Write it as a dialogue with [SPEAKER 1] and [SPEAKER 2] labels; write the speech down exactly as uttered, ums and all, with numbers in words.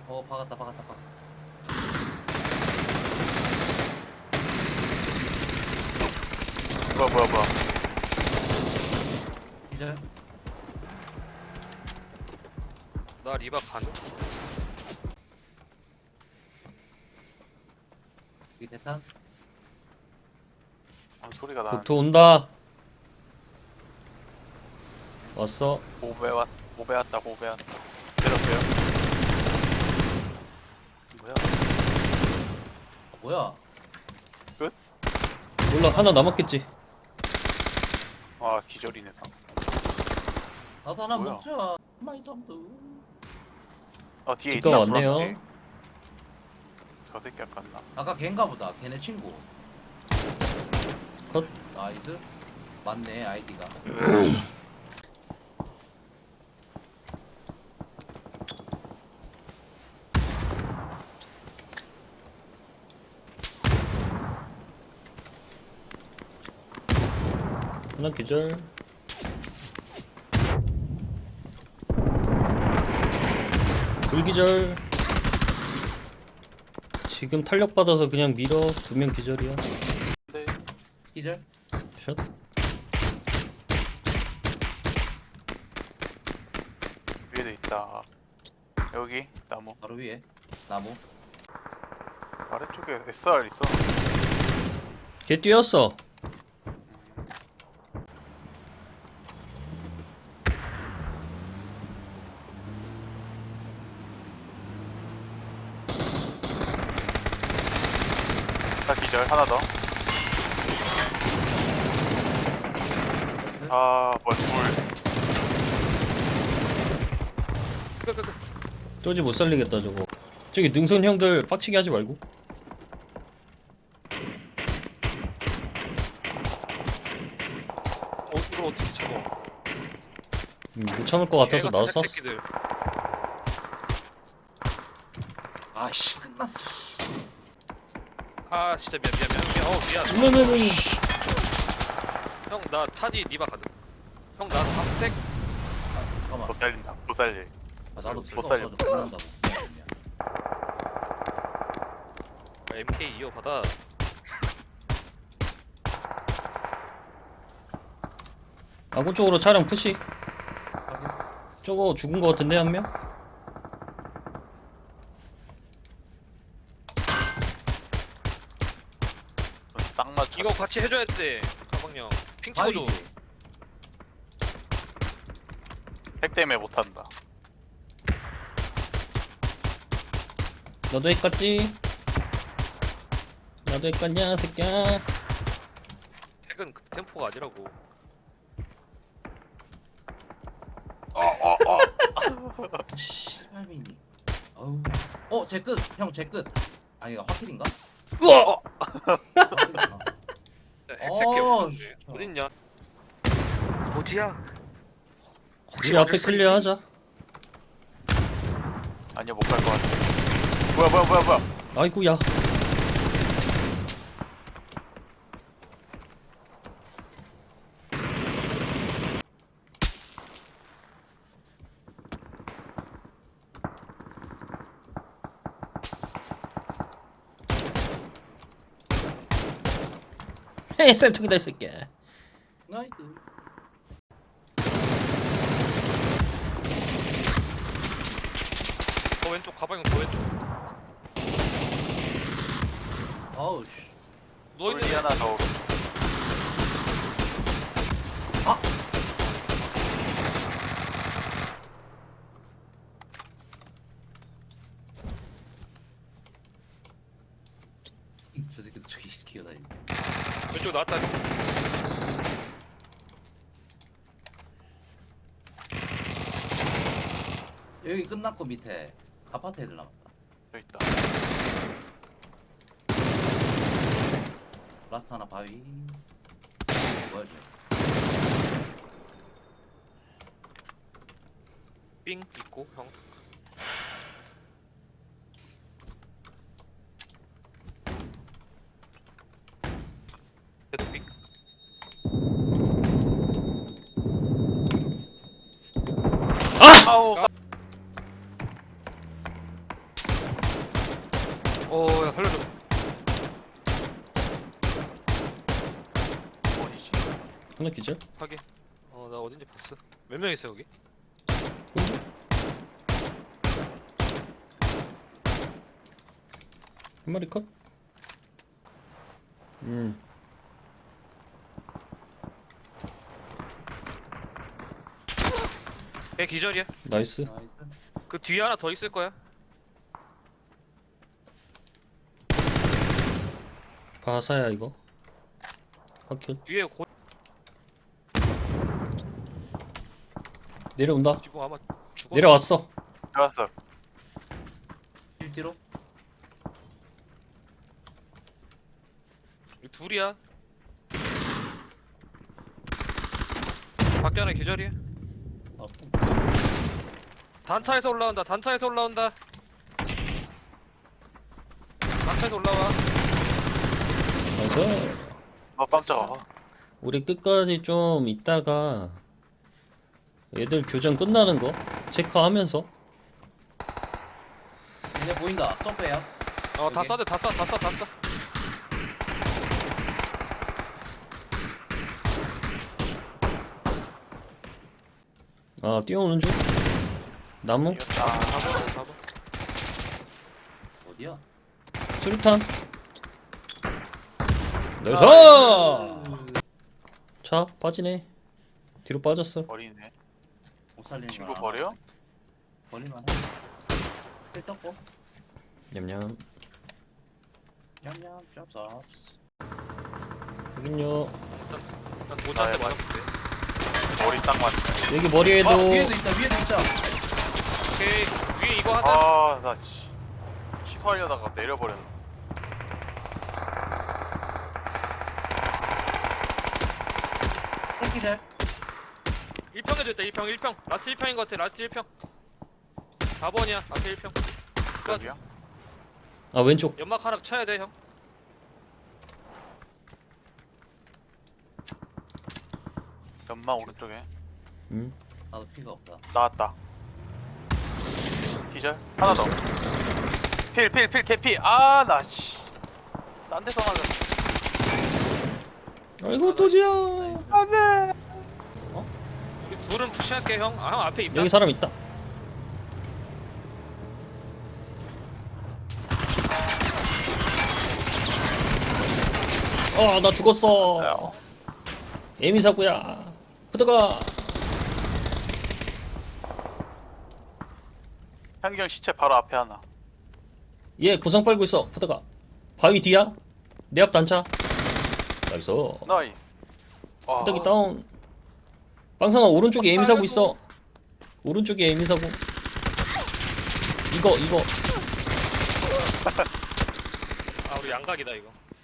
[SPEAKER 1] 어 박았다 박았다 박았다.
[SPEAKER 2] 뭐야 뭐야 뭐야.
[SPEAKER 1] 이제
[SPEAKER 3] 나 리바 가능?
[SPEAKER 1] 이 대탄.
[SPEAKER 2] 아, 소리가 나는.
[SPEAKER 4] 국토 온다. 왔어.
[SPEAKER 2] 고배 왔 고배 왔다 고배 왔다. 때렸어요. 뭐야?
[SPEAKER 1] 아, 뭐야?
[SPEAKER 4] 몰라, 하나 남았겠지.
[SPEAKER 2] 아 기절이네 상.
[SPEAKER 1] 나도 하나
[SPEAKER 2] 뭐야?
[SPEAKER 1] 먹자. 마이 덤도.
[SPEAKER 2] 어 뒤에
[SPEAKER 4] 뒷가
[SPEAKER 2] 있다.
[SPEAKER 4] 왔네요.
[SPEAKER 2] 불안지. 저 새끼 아깝나?
[SPEAKER 1] 아까 걔인가 보다. 걔네 친구.
[SPEAKER 4] 컷.
[SPEAKER 1] 나이스. 맞네 아이디가.
[SPEAKER 4] 하나 기절. 불기절. 지금 탄력 받아서 그냥 밀어. 두 명 기절이야.
[SPEAKER 2] 네.
[SPEAKER 1] 기절.
[SPEAKER 4] 샷.
[SPEAKER 2] 위에도 있다. 여기 나무
[SPEAKER 1] 바로 위에 나무.
[SPEAKER 2] 아래쪽에 에스알 있어.
[SPEAKER 4] 걔 뛰었어.
[SPEAKER 2] 나 기절 하나 더. 아 뭐야 둘.
[SPEAKER 3] 끄끄끄.
[SPEAKER 4] 쪼지 못 살리겠다 저거. 저기 능선 형들 빡치게 하지 말고.
[SPEAKER 3] 어, 이걸 어떻게 참어?
[SPEAKER 4] 음, 못 참을 것 같아서
[SPEAKER 3] 개가
[SPEAKER 4] 나도
[SPEAKER 3] 자작
[SPEAKER 4] 쐈어.
[SPEAKER 3] 새끼들.
[SPEAKER 1] 아씨 끝났어.
[SPEAKER 3] 아 진짜 미안 미안 미안 미안. 어 미안.
[SPEAKER 4] 으으으으.
[SPEAKER 3] 형 나 차지 니바 가능? 형 나 다 스택?
[SPEAKER 1] 잠깐만.
[SPEAKER 2] 못 살린다. 못 살려.
[SPEAKER 1] 아, 나도
[SPEAKER 2] 못
[SPEAKER 1] 필요
[SPEAKER 2] 살려.
[SPEAKER 1] 없어서 죽는다고.
[SPEAKER 3] 아, 엠케이 이어 받아.
[SPEAKER 4] 아군 쪽으로 차량 푸시.
[SPEAKER 1] 확인.
[SPEAKER 4] 저거 죽은 것 같은데 한 명?
[SPEAKER 2] 딱 맞춰.
[SPEAKER 3] 이거 같이 해줘야 돼. 가방형. 핑 찍어줘.
[SPEAKER 1] 바위.
[SPEAKER 2] 핵 때문에 못 한다.
[SPEAKER 4] 너도 했겠지? 나도 했겠냐 새끼야.
[SPEAKER 3] 핵은 그 템포가 아니라고.
[SPEAKER 2] 어어 어.
[SPEAKER 1] 씨발미니. 어우. 어, 제 끝. 형, 제 끝. 아니, 이거 화킬인가?
[SPEAKER 4] 우와!
[SPEAKER 1] 화킬이구나.
[SPEAKER 3] 핵 새끼
[SPEAKER 1] 어,
[SPEAKER 3] 없는데. 어딨냐?
[SPEAKER 5] 어디야?
[SPEAKER 4] 우리 앞에 클리어하자.
[SPEAKER 2] 아니야 못 갈 것 같아. 뭐야 뭐야 뭐야 뭐야.
[SPEAKER 4] 아이고야. 헤이 쌤통이다 이 새끼야.
[SPEAKER 1] 나이스.
[SPEAKER 3] 더 왼쪽 가방형 더 왼쪽.
[SPEAKER 1] 아우, 씨.
[SPEAKER 3] 누워있는
[SPEAKER 2] 돌리 하나 더.
[SPEAKER 1] 저 새끼도 저기 기어다니네.
[SPEAKER 3] 왼쪽 나왔다.
[SPEAKER 1] 여기 끝났고 밑에 아파트 애들 남았다.
[SPEAKER 2] 여기 있다.
[SPEAKER 1] 라스트 하나 바위. 뭐야 쟤?
[SPEAKER 3] 삥 있고 형. 걔도 삥.
[SPEAKER 2] 아우.
[SPEAKER 3] 어야 살려줘.
[SPEAKER 2] 어디지?
[SPEAKER 4] 하나 기절?
[SPEAKER 3] 확인. 어 나 어딘지 봤어. 몇 명 있어 여기?
[SPEAKER 4] 한 마리 컷? 음
[SPEAKER 3] 걔 기절이야.
[SPEAKER 4] 나이스.
[SPEAKER 1] 나이스.
[SPEAKER 3] 그 뒤에 하나 더 있을 거야.
[SPEAKER 4] 바사야 이거. 확킬.
[SPEAKER 3] 뒤에 고
[SPEAKER 4] 내려온다.
[SPEAKER 3] 지금 아마 죽었어.
[SPEAKER 4] 내려왔어.
[SPEAKER 2] 들어왔어.
[SPEAKER 1] 일 뒤로.
[SPEAKER 3] 여기 둘이야. 밖에 하나 기절이야.
[SPEAKER 1] 어,
[SPEAKER 3] 단차에서 올라온다. 단차에서 올라온다. 단차에서 올라와.
[SPEAKER 4] 나이스.
[SPEAKER 2] 아 깜짝아.
[SPEAKER 4] 우리 끝까지 좀 있다가 얘들 교전 끝나는 거 체크하면서.
[SPEAKER 1] 이제 보인다. 점프해요.
[SPEAKER 3] 어 다
[SPEAKER 1] 여기.
[SPEAKER 3] 쏴대 다 쏴. 다 쏴. 다 쏴.
[SPEAKER 4] 아 뛰어오는 중. 나무.
[SPEAKER 2] 이겼다.
[SPEAKER 3] 잡아. 잡아.
[SPEAKER 1] 어디야?
[SPEAKER 4] 수류탄. 나이스.
[SPEAKER 1] 나이스.
[SPEAKER 4] 차 빠지네. 뒤로 빠졌어.
[SPEAKER 2] 버리네.
[SPEAKER 1] 못 살리는
[SPEAKER 2] 친구
[SPEAKER 1] 걸
[SPEAKER 2] 버려?
[SPEAKER 1] 알아. 버릴만 해. 뜰 떴고.
[SPEAKER 4] 냠냠.
[SPEAKER 1] 냠냠 쩝쩝.
[SPEAKER 4] 여긴요.
[SPEAKER 3] 난 모자한테
[SPEAKER 2] 아,
[SPEAKER 3] 맞았는데.
[SPEAKER 2] 머리 딱 맞네.
[SPEAKER 4] 여기 머리에도.
[SPEAKER 1] 아, 위에도 있다. 위에도 있다.
[SPEAKER 3] 오케이. 위에 이거 하자.
[SPEAKER 2] 아나 취소하려다가 내려버렸네.
[SPEAKER 1] 땡기절.
[SPEAKER 3] 일 평 해줬다. 일 평. 일 평. 라스트 일 평인 것 같아. 라스트 일 평. 사 번이야. 앞에 일 평.
[SPEAKER 2] 여기야?
[SPEAKER 4] 아 왼쪽.
[SPEAKER 3] 연막 하나 쳐야 돼 형.
[SPEAKER 2] 연마 오른쪽에
[SPEAKER 4] 음.
[SPEAKER 1] 나도 피가 없다.
[SPEAKER 2] 나왔다. 기절 하나 더. 필 필 필 개피. 아나 씨. 딴 데서 맞아.
[SPEAKER 4] 아이고 또지야.
[SPEAKER 1] 나이스.
[SPEAKER 2] 안돼.
[SPEAKER 3] 우리 둘은 푸시할게 형. 아 형 앞에 있다.
[SPEAKER 4] 여기 사람 있다. 어, 나 죽었어. 에미사구야. pu드가.
[SPEAKER 2] 향경 시체 바로 앞에 하나.
[SPEAKER 4] 얘 구상 빨고 있어. pu드가. 바위 뒤야. 내 앞 단차. 나이스.
[SPEAKER 2] 나이스. 와.
[SPEAKER 4] pu드기 다운. 빵상아 오른쪽에
[SPEAKER 3] 어,
[SPEAKER 4] 에미사구
[SPEAKER 3] 아이고.
[SPEAKER 4] 있어. 오른쪽에 에미사구. 이거 이거.
[SPEAKER 3] 아 우리 양각이다 이거.